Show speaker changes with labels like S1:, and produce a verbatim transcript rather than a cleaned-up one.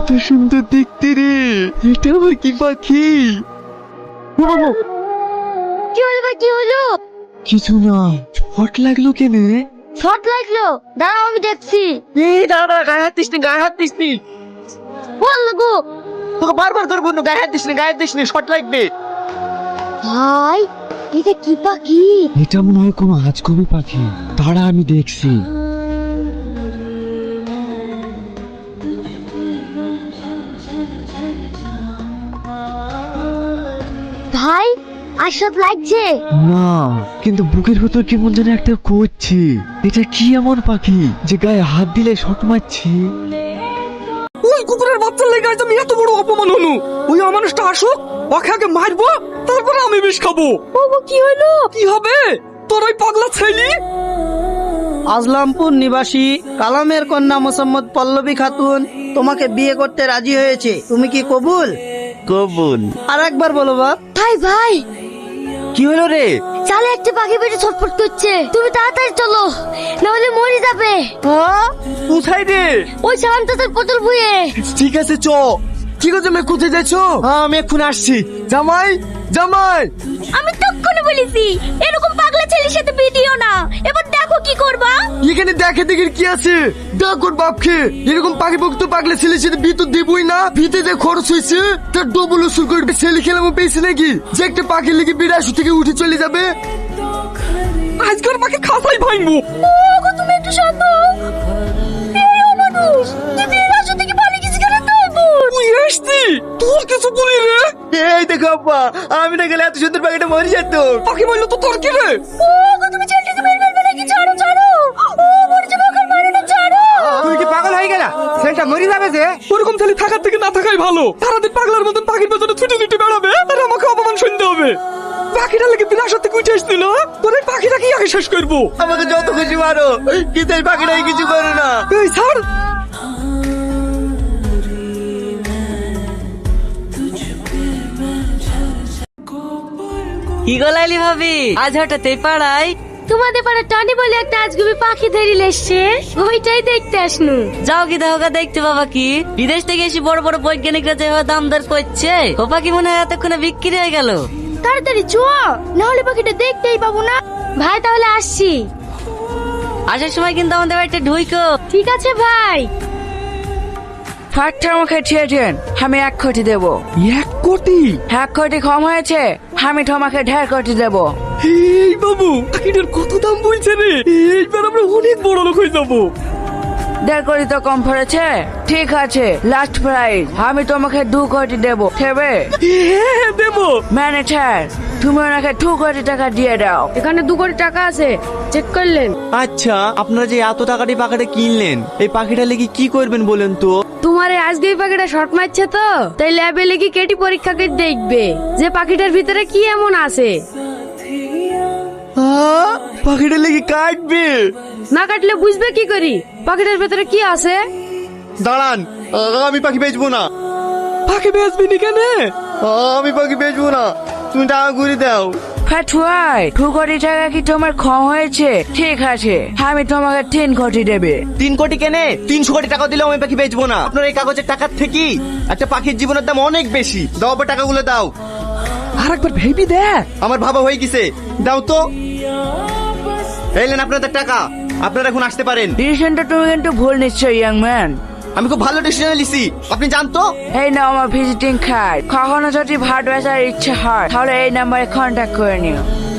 S1: কত সুন্দর দেখতে রে, এটা আবার কি পাখি?
S2: কি হলো ভাই, কি হলো?
S1: কিছু না, হট লাগলো কেন রে?
S2: শর্ট লাগলো, দাঁড়াও আমি দেখছি।
S3: এই দাঁড়া দাঁড়া, গায়ে হাত দিস নি, গায়ে হাত দিস নি।
S2: বল লাগো
S3: তোকে বারবার ধরে বললো গায়ে হাত দিস নি, গায়ে হাত দিস নি, শর্ট লাগবে।
S2: ভাই, এটা কি পাখি?
S1: এটা মনে হয় কোনো আজগবি পাখি, তারা আমি দেখছি।
S2: ভাই আশাদ লাগছে
S1: না, কিন্তু বুকের ভেতর কেমন যেন একটা করছে। এটা কি এমন পাখি যে গায়ে হাত দিলে শট মারছি?
S3: ওই কুকুরের বাচ্চার লেগে আজ আমি এত বড় অপমান হলো। ওই অমানুষটা আসুক, ওকে আগে মারবো, তারপরে আমি বিষ খাবো।
S2: বাবু কি হলো?
S3: কি হবে তোর ওই পাগলা ছেলে?
S4: আজলামপুর নিবাসী কালামের কন্যা মোসাম্মদ পল্লবী খাতুন তোমাকে বিয়ে করতে রাজি হয়েছে, তুমি কি কবুল?
S1: কবুল।
S4: আর একবার বলো বাপ।
S2: ভাই ভাই,
S1: কি হলো রে?
S2: চালে একটা পাখি বেটে ছটফট করছে, তুমি তাড়াতাড়ি চলো, না হলে মরে যাবে।
S1: কোথায় রে?
S2: ওই সালাম চাচার পটল ভুয়ে।
S1: ঠিক আছে চ।
S3: কি করছো, আমি কোথায় যাচ্ছ?
S1: হ্যাঁ আমি এখন আসছি। জামাই, জামাই।
S2: আমি তখনই বলেছি এরকম পাগলা ছেলের সাথে বিয়ে দিও না, এবার দেখো কি করবা।
S1: এখানে দেখে দেখে কি আছে? ডাক ওর বাপকে। এরকম পাখি পক্ষ তো পাগলা ছেলে সাথে বিয়ে তো দেবই না। বিতে যে খরচ হয়েছে তার ডবল উসুল করে ছেলে খেলামো পেয়েছে নাকি যে একটা পাখি লেগে বিরাশি থেকে উঠে চলে যাবে?
S3: আজকের পাখি খাসাই ভাঙবো।
S2: ওগো তুমি একটু শান্ত হও। এই অমানুষ, তুমি এর রাস্তা থেকে পালিয়ে গেছি কেন তাই বল?
S3: তুই এসছি, তোর কিছু বলি রে?
S1: এই দেখো আব্বা, আমি না গেলে এত সুন্দর পাখিটা মরে যেত।
S3: পাখি বললো তো তোর কি রে?
S2: ওগো তুমি ছেলেটাকে মেরে ফেলবে নাকি? ছাড়ো ছাড়ো, ও মরে যাবে, ওকে মারো না, ছাড়ো।
S3: তুই কি পাগল হয়ে গেলা? ছেলেটা মরে যাবে যে। ওরকম ছেলে থাকার থেকে না থাকাই ভালো। সারাদিন পাগলার মতন পাখির পেছনে ছুটে ছুটে বেড়াবে আর আমাকে অপমান শুনতে হবে। পাখিটা লেগে বিনাশের থেকে উঠে আসছিল, তোর এই পাখিটা কি আগে শেষ করবো?
S1: আমাকে যত খুশি মারো, কিন্তু এই পাখিটাই কিছু করে না।
S3: এই ছাড়।
S5: কি গলাইলি ভাবি, আজ হঠাৎ এই পাড়ায়?
S2: তোমাদের পাড়া টনি বলে একটা আজগুবি পাখি ধরি লেসছে, ওইটাই দেখতে আসনু।
S5: যাও কি দেখো দেখতে বাবা, কি বিদেশ থেকে এসে বড় বড় বৈজ্ঞানিকরা যেভাবে দাম দর করছে, ও পাখি মনে হয় এতক্ষণে বিক্রি হয়ে গেল।
S2: তাড়াতাড়ি চো, না হলে পাখিটা দেখতেই পাবো না। ভাই তাহলে আসছি।
S5: আসার সময় কিন্তু আমাদের বাড়িতে ঢুইকো।
S2: ঠিক আছে ভাই।
S6: ফাটটা আমাকে ছেড়েছেন, আমি এক কোটি দেবো।
S3: এক কোটি?
S6: এক কোটি কম হয়েছে, আমি তোমাকে ঢের কোটি দেবো।
S3: এই বাবু, পাখিটার কত দাম বলছে রে? এইবার আমরা অনেক বড় লোক হয়ে যাবো।
S6: দেড় কোটি তো কম পড়েছে, ঠিক আছে লাস্ট প্রাইস, আমি তোমাকে দু কোটি দেবো, দেবে?
S3: হ্যাঁ দেবো।
S6: ম্যানেজার তুমি ওনাকে দু কোটি টাকা দিয়ে দাও।
S2: এখানে দু কোটি টাকা আছে, চেক করলেন?
S1: আচ্ছা, আপনারা যে এত টাকা দিয়ে পাখিটা কিনলেন, এই পাখিটা লেগে কি করবেন বলেন তো?
S2: তোমার এই আজকে এই পাখিটা শর্ট মারছে তো, তাই ল্যাবে লেগে কেটি পরীক্ষা করে দেখবে যে পাখিটার ভিতরে কি এমন আছে।
S1: হ্যাঁ, পাখিটা লেগে কাটবে?
S2: না কাটলে বুঝবে কি করি পাখিটার ভিতরে কি আছে?
S1: দাঁড়ান, আমি পাখি বেচবো না।
S3: পাখি বেচবি নি কেন?
S1: আমি পাখি বেচবো না, তুমি টাকা ঘুরে দাও।
S6: ফাটুয়াই দু কোটি টাকা কি তোমার কম হয়েছে? ঠিক আছে আমি তোমাকে তিন কোটি দেবে।
S1: তিন কোটি কেনে? তিনশো কোটি টাকা দিলেও আমি পাখি বেচবো না। আপনার এই কাগজের টাকার থেকে একটা পাখির জীবনের দাম অনেক বেশি। দাও আবার টাকাগুলো দাও।
S3: আর একবার ভেবি দেখ।
S1: আমার ভাবা হয়ে গেছে, দাও তো। এলেন আপনাদের টাকা, আপনারা এখন আসতে পারেন।
S6: ডিসিশনটা তুমি কিন্তু ভুল নিশ্চয় ইয়াং ম্যান।
S1: আমি খুব ভালো ডিসিশন নিছি, আপনি জানতো।
S6: এই নাও আমার ভিজিটিং কার্ড, কখনো যদি ভাট বেচার ইচ্ছে হয় তাহলে এই নাম্বারে কন্ট্যাক্ট করে নিও।